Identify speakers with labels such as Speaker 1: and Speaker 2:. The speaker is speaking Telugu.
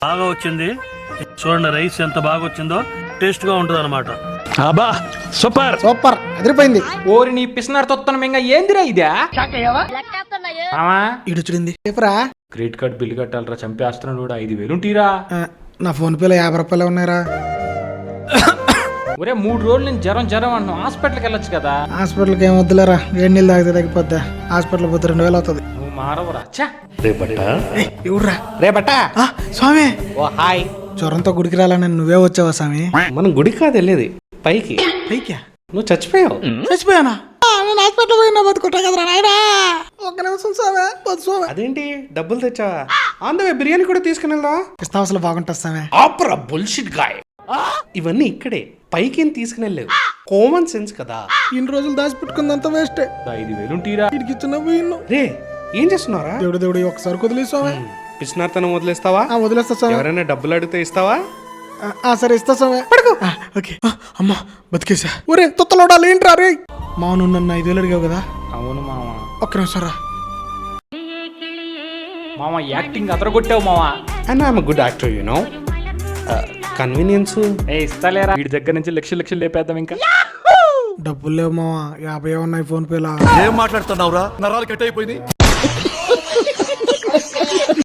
Speaker 1: బాగా వచ్చింది. చూడండి రైస్ ఎంత బాగా వచ్చిందో, టేస్ట్ గా ఉంటుంది అనమాట.
Speaker 2: అబ్బా సూపర్
Speaker 3: సూపర్ అదిరిపోయింది.
Speaker 4: ఓరి నీ పిసినారు తొత్తనం ఇంకా ఏందిరా ఇదా మామా
Speaker 3: ఇడు చూడింది చెప్పరా.
Speaker 4: క్రెడిట్ కార్డ్ బిల్లు కట్టాలరా, చంపేస్తున్నాడు కూడా. 5,000 ఉంటీరా.
Speaker 3: నా ఫోన్ పేలో 50 రూపాయలు ఉన్నాయరా.
Speaker 4: ఒరే 3 రోజులు నేను జ్వరం అంటున్నావు, హాస్పిటల్కి వెళ్ళొచ్చు కదా.
Speaker 3: హాస్పిటల్కి ఏం వద్దులేరా, వేడి నీళ్ళు తాగితే తగ్గిపోద్దా. హాస్పిటల్ పోతే 2000 అవుతుంది.
Speaker 4: నువ్వు మారవరా. ఛా
Speaker 3: ఇవ్వరా
Speaker 5: రేపట
Speaker 3: స్వామి.
Speaker 5: ఓ హాయ్.
Speaker 3: జ్వరంతో గుడికి రాలని నువ్వే వచ్చావా స్వామి?
Speaker 5: మనం గుడి కాదు వెళ్ళేది, పైకి.
Speaker 3: పైకా?
Speaker 5: నువ్వు చచ్చిపోయావు.
Speaker 3: చచ్చిపోయానా? నేను హాస్పిటల్ పోయినా బతుకుంటా కదరా నాయనా. ఒక్క నిమిషం స్వామి, వద్దు స్వామి.
Speaker 5: అదేంటి డబ్బులు తెచ్చావా? ఆందవే బిర్యానీ కూడా తీసుకుని వెళ్దాం.
Speaker 3: ఇస్తాం అసలు బాగుంటుంది స్వామి.
Speaker 5: ఆపరా బుల్షిట్ గాయ్. ఇవన్నీ ఇక్కడే, పైకి ఏం తీసుకుని వెళ్ళలేవు. కామన్ సెన్స్ కదా.
Speaker 3: ఇన్ని రోజులు దాచిపెట్టుకుందంతా వేస్టే.
Speaker 4: 5,000 ఉంటీరా.
Speaker 3: ఇడికి ఇచ్చిన పోయిన్ను.
Speaker 5: రే ఏం చేస్తున్నారా?
Speaker 3: దేవుడు ఒక్కసారి కుదిలే స్వామి.
Speaker 5: పిచ్చినార్తనం వదిలేస్తావా?
Speaker 3: వదిలేస్తా స్వామి.
Speaker 5: ఎవరైనా డబ్బులు అడిగితే ఇస్తావా?
Speaker 3: సరే ఇస్తా స్వామి. పడుకో. ఓకే. అమ్మా బతికేసా. ఒరే తొత్తలోడాలి ఏంట్రా రే. మాను నన్ను 5,000 అడిగావు కదా.
Speaker 4: అవును మామ.
Speaker 3: ఒక్క నిమిషం రా.
Speaker 4: మామ యాక్టింగ్ అదరగొట్టావు మామ.
Speaker 5: And I'm good actor you know. Convenience.
Speaker 4: ఇస్తలేరా, వీడి దగ్గర నుంచి లక్షలు లేపేద్దాం ఇంకా.
Speaker 3: డబ్బులు లేవు మావా, 50 ఉన్నాయి ఫోన్ పేలా.
Speaker 2: ఏం మాట్లాడుతున్నావురా? నరాలు కట్ అయిపోయింది.